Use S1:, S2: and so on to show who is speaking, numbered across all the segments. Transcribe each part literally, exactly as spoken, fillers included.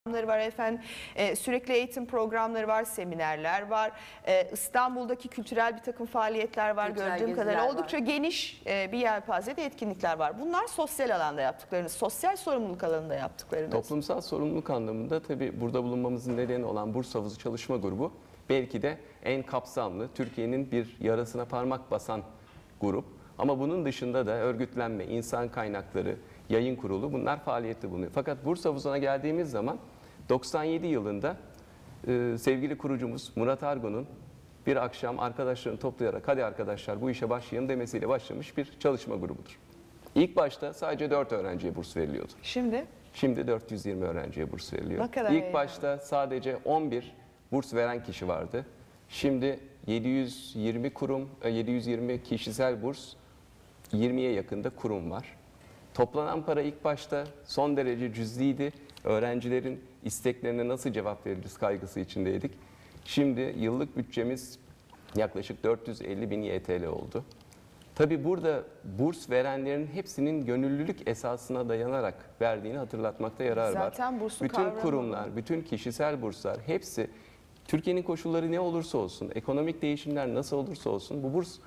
S1: Programları var efendim, ee, sürekli eğitim programları var, seminerler var, ee, İstanbul'daki kültürel bir takım faaliyetler var,
S2: Kültürel
S1: gördüğüm kadarıyla
S2: geziler
S1: oldukça
S2: var.
S1: geniş e, bir yelpazede etkinlikler var. Bunlar sosyal alanda yaptıklarınız, sosyal sorumluluk alanında yaptıklarınız.
S3: Toplumsal sorumluluk anlamında tabii burada bulunmamızın nedeni olan Burs Havuzu Çalışma Grubu belki de en kapsamlı, Türkiye'nin bir yarasına parmak basan grup. Ama bunun dışında da örgütlenme, insan kaynakları, yayın kurulu bunlar faaliyette bulunuyor. Fakat Burs Havuzu'na geldiğimiz zaman doksan yedi yılında e, sevgili kurucumuz Murat Argun'un bir akşam arkadaşlarını toplayarak hadi arkadaşlar bu işe başlayalım demesiyle başlamış bir çalışma grubudur. İlk başta sadece dört öğrenciye burs veriliyordu.
S1: Şimdi?
S3: Şimdi dört yüz yirmi öğrenciye burs veriliyor.
S1: Ne kadar
S3: İlk
S1: iyi.
S3: başta sadece on bir burs veren kişi vardı. Şimdi yedi yüz yirmi kurum, yedi yüz yirmi kişisel burs, yirmiye yakında kurum var. Toplanan para ilk başta son derece cüzdiydi. Öğrencilerin isteklerine nasıl cevap veririz kaygısı içindeydik. Şimdi yıllık bütçemiz yaklaşık dört yüz elli bin Y T L oldu. Tabii burada burs verenlerin hepsinin gönüllülük esasına dayanarak verdiğini hatırlatmakta yarar var.
S1: Zaten bursun
S3: bütün
S1: kavramı
S3: kurumlar, bütün kişisel burslar hepsi Türkiye'nin koşulları ne olursa olsun, ekonomik değişimler nasıl olursa olsun bu burs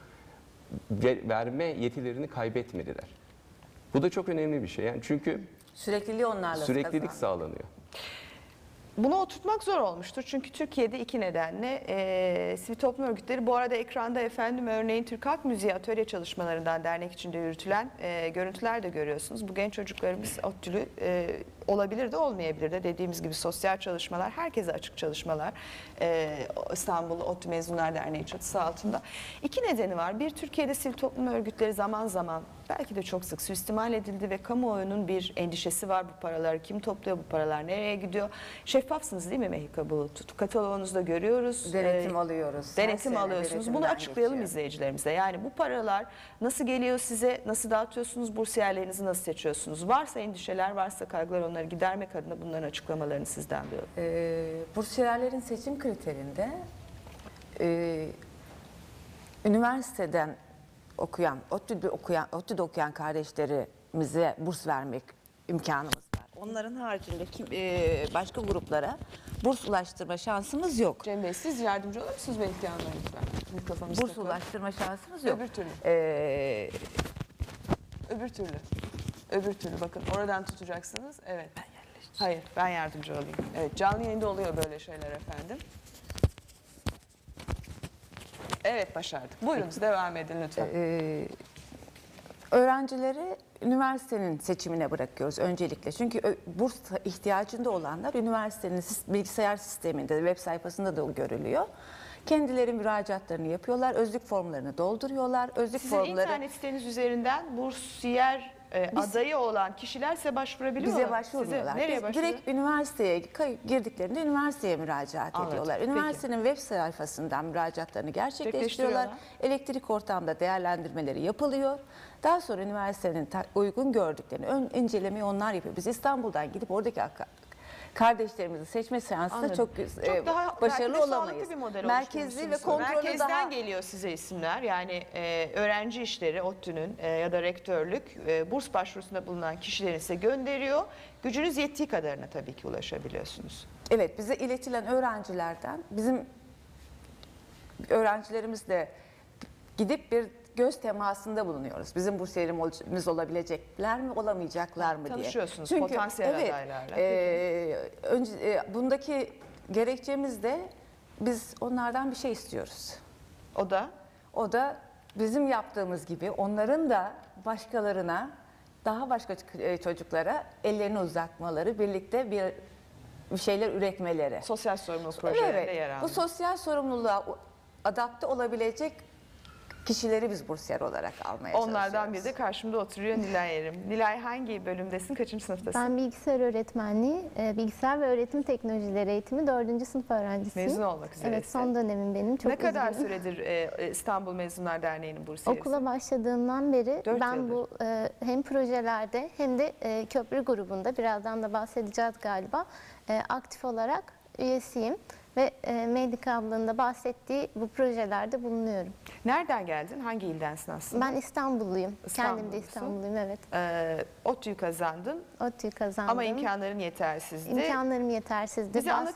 S3: verme yetilerini kaybetmediler. Bu da çok önemli bir şey. Yani çünkü
S2: Sürekliliği onlarla
S3: süreklilik
S2: kazandı.
S3: sağlanıyor.
S1: Bunu oturtmak zor olmuştur. Çünkü Türkiye'de iki nedenle e, sivil toplum örgütleri, bu arada ekranda efendim örneğin Türk Halk Müziği atölye çalışmalarından dernek içinde yürütülen e, görüntüler de görüyorsunuz. Bu genç çocuklarımız ODTÜ'lü e, olabilir de olmayabilir de, dediğimiz gibi sosyal çalışmalar, herkese açık çalışmalar e, İstanbul ODTÜ Mezunlar Derneği çatısı altında. İki nedeni var. Bir, Türkiye'de sivil toplum örgütleri zaman zaman, belki de çok sık suistimal edildi ve kamuoyunun bir endişesi var. Bu paraları kim topluyor, bu paralar nereye gidiyor? Şeffafsınız değil mi Mehika Bulut? Kataloğunuzda görüyoruz.
S2: Denetim
S1: Ee,
S2: alıyoruz. Her
S1: Denetim
S2: sene
S1: alıyorsunuz. Bunu
S2: denetimden
S1: açıklayalım
S2: geçiyor.
S1: izleyicilerimize. Yani bu paralar nasıl geliyor size, nasıl dağıtıyorsunuz, bursiyerlerinizi nasıl seçiyorsunuz? Varsa endişeler, varsa kaygılar, onları gidermek adına bunların açıklamalarını sizden diliyorum.
S2: Ee, bursiyerlerin seçim kriterinde e, üniversiteden okuyan, ODTÜ'de okuyan, ODTÜ'de okuyan kardeşlerimize burs vermek imkanımız var. Onların haricinde kim, e, başka gruplara burs ulaştırma şansımız yok.
S1: Cem Bey, siz yardımcı olur musunuz belki Hanım'a lütfen? Mikrofonunuzu
S2: Burs
S1: takın.
S2: ulaştırma şansımız yok.
S1: Öbür türlü.
S2: Ee,
S1: Öbür türlü. Öbür türlü bakın oradan tutacaksınız. Evet. Hayır, ben yardımcı olayım. Evet, canlı yayında oluyor böyle şeyler efendim. Evet, başardık. Buyurunuz, devam edin lütfen.
S2: Ee, öğrencileri üniversitenin seçimine bırakıyoruz öncelikle. Çünkü ö- burs ihtiyacında olanlar üniversitenin sis- bilgisayar sisteminde, web sayfasında da görülüyor. Kendileri müracaatlarını yapıyorlar, özlük formlarını dolduruyorlar. Özlük
S1: Sizin
S2: formları
S1: internet siteniz üzerinden bursiyer e,
S2: Biz-
S1: adayı olan kişiler size başvurabiliyor mu?
S2: bize başvurmuyorlar.
S1: Size nereye
S2: Biz
S1: başvuruyor?
S2: direkt üniversiteye kay- girdiklerinde üniversiteye müracaat
S1: Anladım.
S2: ediyorlar.
S1: Peki.
S2: Üniversitenin web sayfasından müracaatlarını gerçekleştiriyorlar.
S1: Gerçekleştiriyorlar.
S2: Elektrik ortamda değerlendirmeleri yapılıyor. Daha sonra üniversitenin ta- uygun gördüklerini ön incelemeyi onlar yapıyor. Biz İstanbul'dan gidip oradaki ak- kardeşlerimizi seçme seansı da
S1: Anladım.
S2: çok,
S1: Çok
S2: e,
S1: daha
S2: başarılı
S1: belki de
S2: olamayız.
S1: sağlıklı bir model
S2: Merkezli ve
S1: oluşturmuşsunuz.
S2: kontrolü
S1: Merkezden
S2: daha
S1: geliyor size isimler. Yani e, öğrenci işleri ODTÜ'nün e, ya da rektörlük e, burs başvurusunda bulunan kişileri size gönderiyor. Gücünüz yettiği kadarına tabii ki ulaşabiliyorsunuz.
S2: Evet, bize iletilen öğrencilerden bizim öğrencilerimizle gidip bir göz temasında bulunuyoruz. Bizim bursiyerimiz olabilecekler mi, olamayacaklar mı diye.
S1: Tanışıyorsunuz
S2: Çünkü,
S1: potansiyel
S2: evet,
S1: adaylarla.
S2: E, önce, e, bundaki gerekçemiz de biz onlardan bir şey istiyoruz.
S1: O da
S2: O da bizim yaptığımız gibi onların da başkalarına, daha başka e, çocuklara ellerini uzatmaları, birlikte bir bir şeyler üretmeleri.
S1: sosyal sorumluluk projelerinde
S2: Evet,
S1: yer alıyor.
S2: bu sosyal sorumluluğa adapte olabilecek kişileri biz bursiyer olarak almaya
S1: Onlardan
S2: çalışıyoruz.
S1: biri de karşımda oturuyor Nilay Erim. Nilay, hangi bölümdesin? Kaçıncı sınıftasın?
S4: Ben bilgisayar öğretmenliği, e, bilgisayar ve öğretim teknolojileri eğitimi dördüncü sınıf öğrencisiyim.
S1: Mezun olmak üzeresin.
S4: Evet, son dönemim benim. Çok
S1: ne kadar
S4: üzgünüm.
S1: süredir e, İstanbul Mezunlar Derneği'nin bursiyerisi?
S4: Okula başladığımdan beri
S1: Dört
S4: ben
S1: yıldır.
S4: bu e, hem projelerde hem de e, köprü grubunda, birazdan da bahsedeceğiz galiba, e, aktif olarak üyesiyim. ve e, Mehdika ablanın da bahsettiği bu projelerde bulunuyorum.
S1: Nereden geldin? Hangi ildensin aslında?
S4: Ben İstanbulluyum. Kendim de
S1: İstanbulllusun.
S4: İstanbulluyum, evet.
S1: Ee, ODTÜ'yü kazandın
S4: ODTÜ'yü kazandım.
S1: ama imkanların yetersizdi.
S4: İmkanlarım yetersizdi.
S1: Bize
S4: Bas-
S1: anlatır